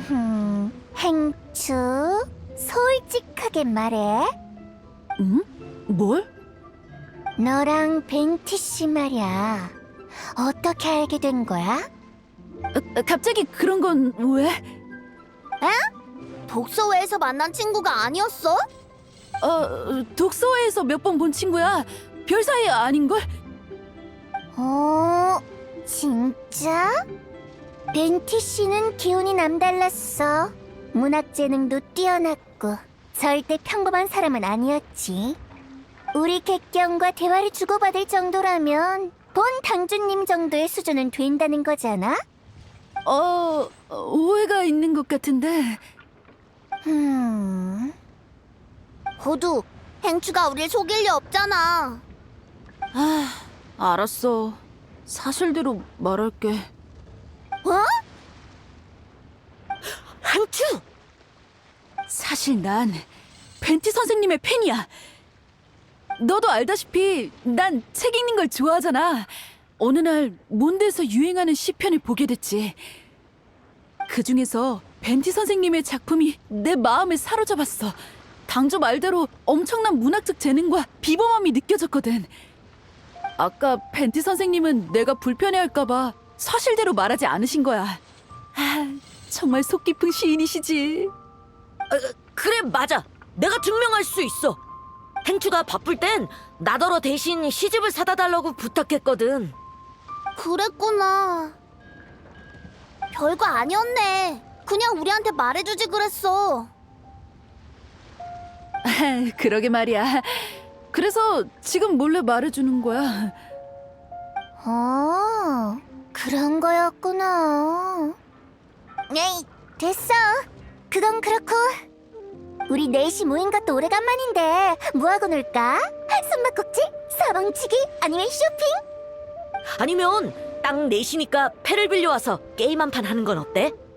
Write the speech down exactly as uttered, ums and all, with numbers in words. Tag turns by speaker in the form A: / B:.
A: 흠, 행추, 솔직하게 말해.
B: 응? 뭘?
A: 너랑 벤티 씨 말이야. 어떻게 알게 된 거야?
B: 아, 갑자기 그런 건 왜?
A: 독서회에서 만난 친구가 아니었어?
B: 어, 독서회에서 몇 번 본 친구야. 별 사이 아닌걸?
A: 어, 진짜? 벤티 씨는 기운이 남달랐어. 문학 재능도 뛰어났고 절대 평범한 사람은 아니었지. 우리 객경과 대화를 주고받을 정도라면 본 당주님 정도의 수준은 된다는 거잖아?
B: 어, 오해가 있는 것 같은데.
A: 음... 호두, 행추가 우릴 속일 리 없잖아.
B: 아, 알았어. 사실대로 말할게.
A: 어?
B: 행추! 사실 난 벤티 선생님의 팬이야. 너도 알다시피 난 책 읽는 걸 좋아하잖아. 어느 날 몬드에서 유행하는 시편을 보게 됐지. 그 중에서 벤티 선생님의 작품이 내 마음을 사로잡았어. 당조 말대로 엄청난 문학적 재능과 비범함이 느껴졌거든. 아까 벤티 선생님은 내가 불편해할까봐 사실대로 말하지 않으신 거야. 아, 정말 속 깊은 시인이시지.
C: 그래, 맞아. 내가 증명할 수 있어. 행추가 바쁠 땐 나더러 대신 시집을 사다 달라고 부탁했거든.
A: 그랬구나. 별거 아니었네. 그냥 우리한테 말해주지 그랬어.
B: 아, 그러게 말이야. 그래서 지금 몰래 말해주는 거야.
A: 어, 그런 거였구나. 에이, 됐어. 그건 그렇고 우리 넷이 모인 것도 오래간만인데 뭐하고 놀까? 숨바꼭질? 사방치기? 아니면 쇼핑?
C: 아니면 땅 넷이니까 패를 빌려와서 게임 한 판 하는 건 어때?